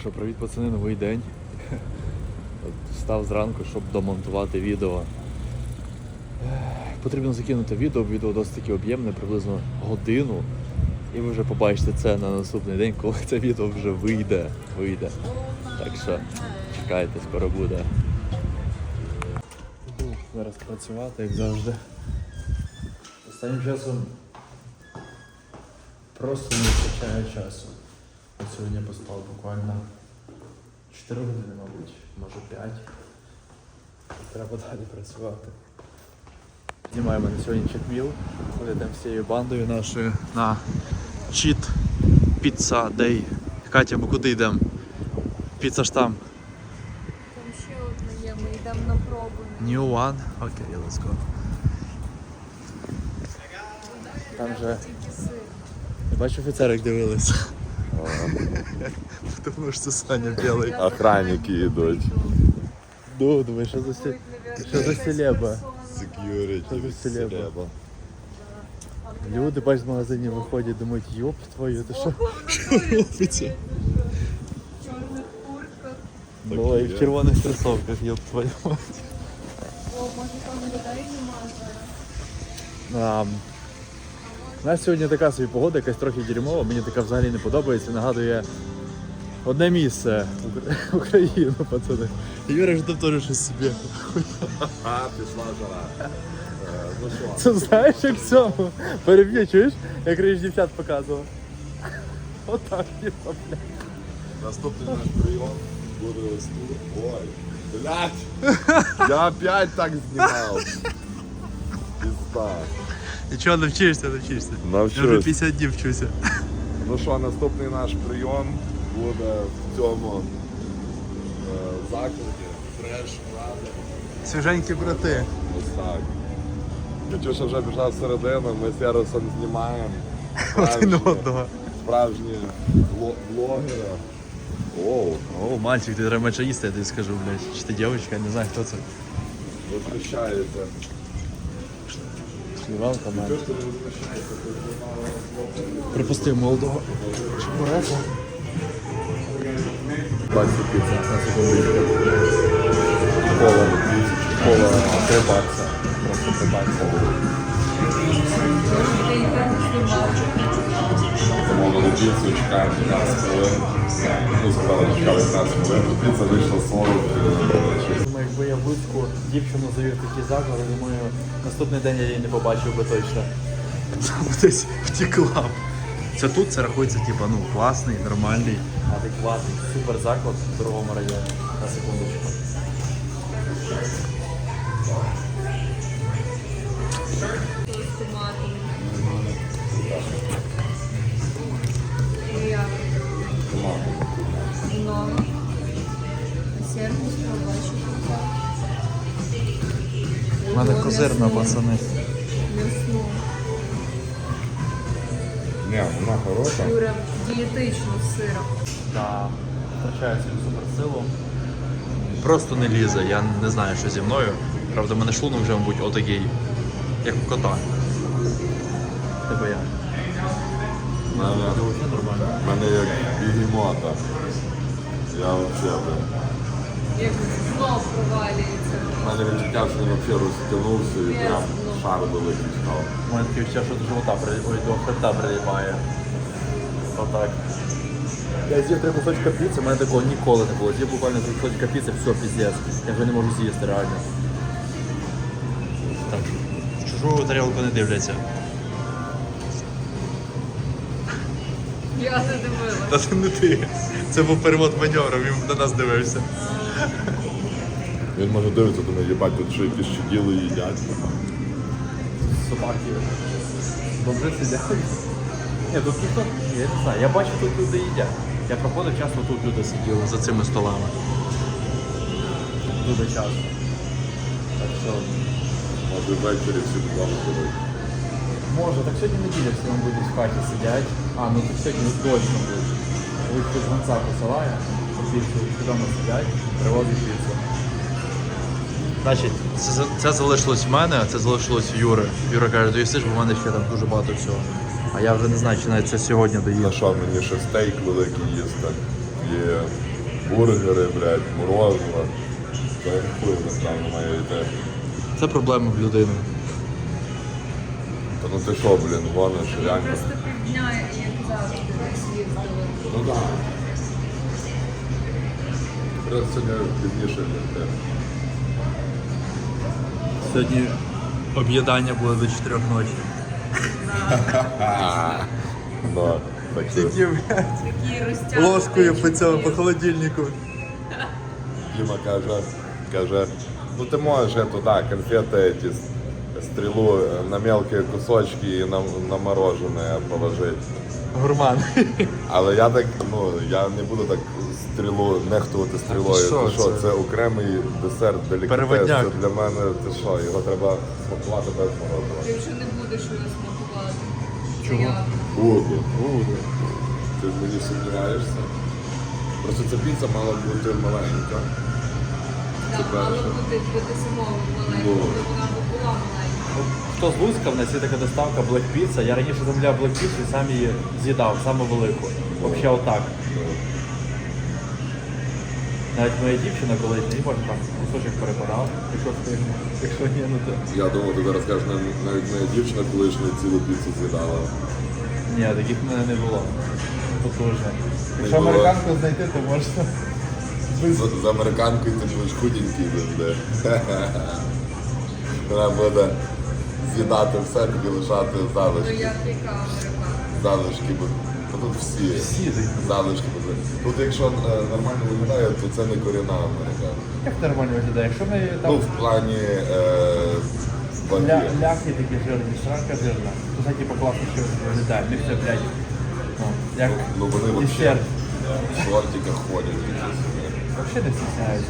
що, привіт, пацани, новий день. Встав зранку, щоб домонтувати відео. Потрібно закинути відео досить таки об'ємне, приблизно годину. І ви вже побачите це на наступний день, коли це відео вже вийде. Так що чекайте, скоро буде. Буду зараз працювати, як завжди. Останнім часом просто не вистачає часу. Сьогодні я поспав буквально 4 години, мабуть, може 5. Треба далі працювати. Знімаємо на сьогодні чекміл. Ходимо всією бандою нашою на чіт піца дей. Катя, ми куди йдемо? Піца ж там. Там ще одна є, ми йдемо на пробу. New one? Окей, let's go. Там же... Тільки сир. Я бачу, офіцери дивились. Тому що це Саня білий. Охранники йдуть. Ну, думаю, що за селеба? Security, Це селеба. Люди, бач, з магазинів виходять, думають, йоп твою, ти що? Що робиться? В чорних куртках. Ну, і в червоних кросовках, йоп твою мать. О, може там людей немає. У нас сьогодні така собі погода, якась трохи дерьмова, мені така взагалі не подобається, нагадує одне місце Україну, пацани. Юра ж там теж щось собі. А, пішла жара. Ну що? Це знаєш, як в цьому? Переб'ю, чуєш? Як раніше дівчат показував. Отак, типа, блядь. Наступний наш прийом буде ось тут. Ой, блядь! Я опять так знімав. Пізда. Нічого, навчишся. Навчусь. Я вже 50 днів вчуся. Ну що, наступний наш прийом буде в цьому закладі. Фреш, Рада. Свіженькі брати. Ось так. Катюша вже пішла всередину, ми з Яросом знімаємо. Один одного. Справжні блогери. Оу, О, мальчик, ти треба їсти, я тобі скажу, блядь. Чи ти дівчинка, не знаю, хто це. возмущається. Шлівалка, мать. Що ж ти не возмущаєшся? Ти знімала Припустив молодого чебурека. Баксі піца, на секундочку. Кола 3 бакса. Просто 3 бакса. Ти і так знімав. замовили піцу, чекаємо 15 хвилин. Ну, сказали, чекали 15 хвилин, піца вийшла 40. Думаю, якби я в Луцьку дівчину завів в такі заклади, думаю, наступний день я її не побачив би точно. Там десь втекла. Це тут, це рахується, типу, ну, класний, нормальний, адекватний, супер заклад в дорогому районі. На секундочку. З томатами. Ну як? Ну. Сервіс побачив. У мене козирна, пацани. М'ясно. Ні, вона хороша. Юра, дієтично з сиром. Так, втрачаю свою суперсилу. Просто не лізе, я не знаю, що зі мною. Правда, в мене шлунок вже, мабуть, отакий, як у кота. Тебе як? У мене як бігемота. Я взагалі. Як знов провалюється. У мене відчуття, що він взагалі розтягнувся і прям шар великий став. У мене таке відчуття, що до живота, до хребта прилипає. Отак. Я з'їв 3 кусочка піци, у мене такого ніколи не було. З'їв буквально 3 кусочка піци, все, піздець. Я вже не можу з'їсти реально. Так, в чужу тарілку не дивляться. Я не дивилася. Та це не ти. Це був перевод маневром, він на нас дивився. Він може дивитися, думає, їбать, тут що якісь чуділи їдять. Собаки. Бомжи сидять. Ні, тут ніхто, я не знаю, я бачу, тут люди їдять. Я проходив, часто тут люди сиділи за цими столами. Дуже часто. Так що, Може ввечері всі вдома будуть. може, так сьогодні неділя всі вам будуть в хаті сидять. А, ну так сьогодні точно будуть. Ось хтось гонця посилає, всі вдома сидять, привозить піцу. Значить, це залишилось в мене, а це залишилось в Юри. Юра каже, доїсиш, бо в мене ще там дуже багато всього. А я вже не знаю, чи навіть це сьогодні доїм. На що мені ще стейк великий їсти. І бургери, блядь, морозиво. То я хуй насправді має йти. Це проблема в людини. Та ну ти що, блін, гониш, реально. Просто півдня, як завжди, десь їздили. Ну так. Просто сьогодні пізніше йти. Сьогодні об'їдання буде до 4 ночі. Ну, так що Тільки, блядь, Такі розтягнуті. ложкою по цьому, по холодильнику. Діма каже, ну ти можеш эту, да, конфеты эти, стрелу на мелкие кусочки и на мороженое положить. Гурман. Але я так, ну, я не буду так стрілу, нехтувати стрілою. Ти що, Ти що, це? це окремий десерт, делікатес. Переводняк. Це для мене, ти що, його треба смакувати без морозива. Ти вже не будеш його смакувати. Чого? Я. Буду. Ти в мені сумніваєшся? Просто ця піца мала бути маленька. Так, перше. мало бути самого маленького, Ну. вона б була маленька. Хто з Луцька, в нас є така доставка Black Pizza. Я раніше замовляв Black Pizza і сам її з'їдав, саме велику. Взагалі отак. Навіть моя дівчина колись не може там кусочок перепадав, якщо встигне. Якщо ні, ну то. Я думав, ти зараз кажеш, навіть моя дівчина колишня цілу піцу з'їдала. Ні, таких в мене не було. Потужно. Якщо було. американку знайти, то можна. З американкою ти будеш худенький завжди. Вона буде з'їдати все, тобі лишати Ну залишки. як яка американка? Залишки, бо тут всі Всі такі. залишки будуть. Тут якщо нормально виглядає, то це не корінна американка. Як нормально виглядає? Якщо ми Ну, там в плані ваги. ляхи такі жирні, сранка жирна, то це типу класно що виглядає. Ми все, блядь, ну, як Ну вони десерт. взагалі в шортиках ходять. такі собі. Взагалі не стісняються.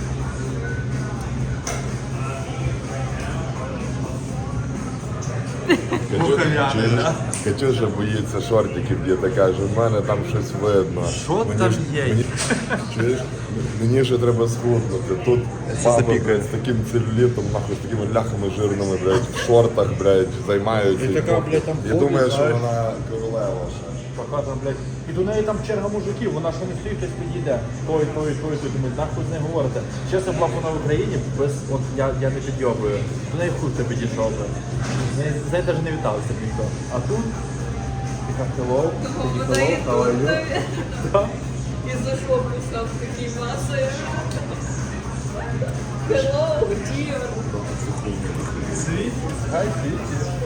Мухов'яний, да? Катюша боїться шортиків, діти каже, в мене там щось видно. Що там є? Чуєш? Мені ще треба схуднути. Тут баба, запікає. блядь, з таким целюлітом, нахуй, з такими ляхами жирними, блядь, в шортах, блядь, займаються. І така, блядь, там І ходить, думає, що знаєш. вона королева ще. Пока там, блядь, і до неї там черга мужиків, вона що не стоїть, хтось підійде. Той, думаю, нахуй з нею говорите. Чесно, була б вона в Україні, без, от я не підйобую. До неї хуй хто підійшов би. З нею навіть не вітався б ніхто. А тут, така hello, такі Вона і hello, how are you? тут Да. і за жопу став такий масою. Hello, dear. Світ, хай світ.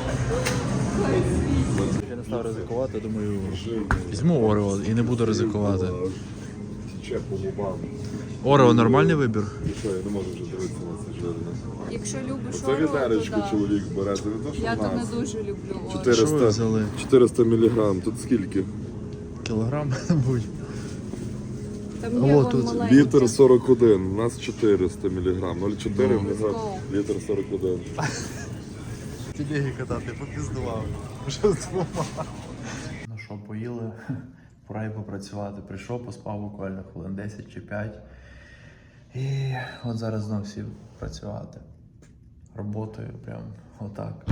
Я не став ризикувати, думаю, візьму Орео і не буду ризикувати. Тече по губам. Орео нормальний вибір? І що, я не можу вже дивитися на це жирне. Якщо любиш Це Орео, відеречку то да. чоловік бере, це не то, що Я в то не нас. дуже люблю Орео. 400, Що ви взяли? 400 мг, тут скільки? Кілограм, мабуть. Там є О, вон тут маленькі. Літр 41, у нас 400 мг, 0,4 Let's мг, go. літр 41. Телегі катати, попіздував. Вже з двома. Ну що, поїли, пора й попрацювати. Прийшов, поспав буквально хвилин 10 чи 5. І от зараз знов сів працювати. Роботою прям отак.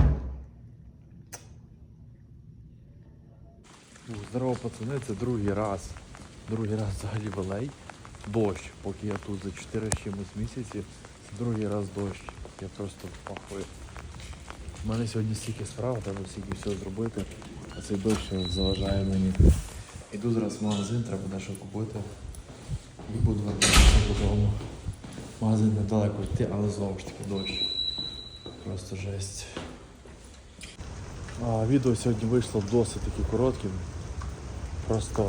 Здорово, пацани, це другий раз. Другий раз взагалі валей. Дощ, поки я тут за 4 з чимось місяці. Це другий раз дощ. Я просто пахую. У мене сьогодні стільки справ, треба стільки все зробити, а цей дощ заважає мені. Іду зараз в магазин, треба дещо купити і буду вертатися додому. Магазин недалеко йти, але знову ж таки дощ. Просто жесть. Відео сьогодні вийшло досить таки коротким. Просто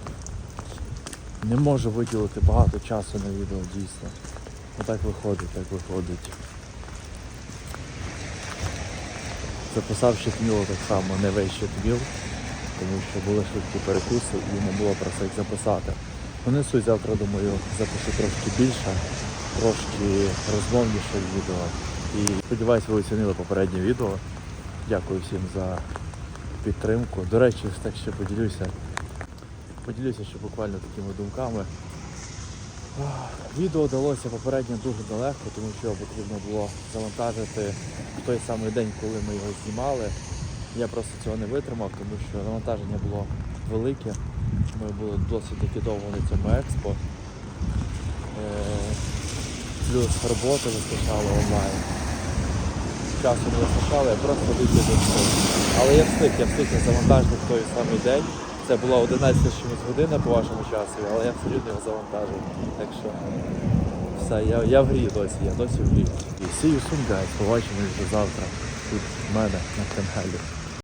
не можу виділити багато часу на відео, дійсно. Отак виходить, так виходить. Записав щитміло так само, не весь щитміл, тому що були швидкі перекуси і не було про це їх записати. Ну, не суть, завтра, думаю, запишу трошки більше, трошки розмовніше відео. І сподіваюсь, ви оцінили попереднє відео. Дякую всім за підтримку. До речі, так ще поділюся ще буквально такими думками. Відео далося попередньо дуже далеко, тому що потрібно було завантажити в той самий день, коли ми його знімали. Я просто цього не витримав, тому що навантаження було велике. Ми були досить таки довго на цьому експо. Плюс роботи вистачало онлайн. Часу не вистачало, я просто виключив все. Але я встиг завантажити в той самий день. Це була 11 чимось година по вашому часу, але я все рівно його завантажив. Так що все, я в грі досі, я досі в грі. See you soon, guys. Побачимось вже завтра тут в мене на каналі.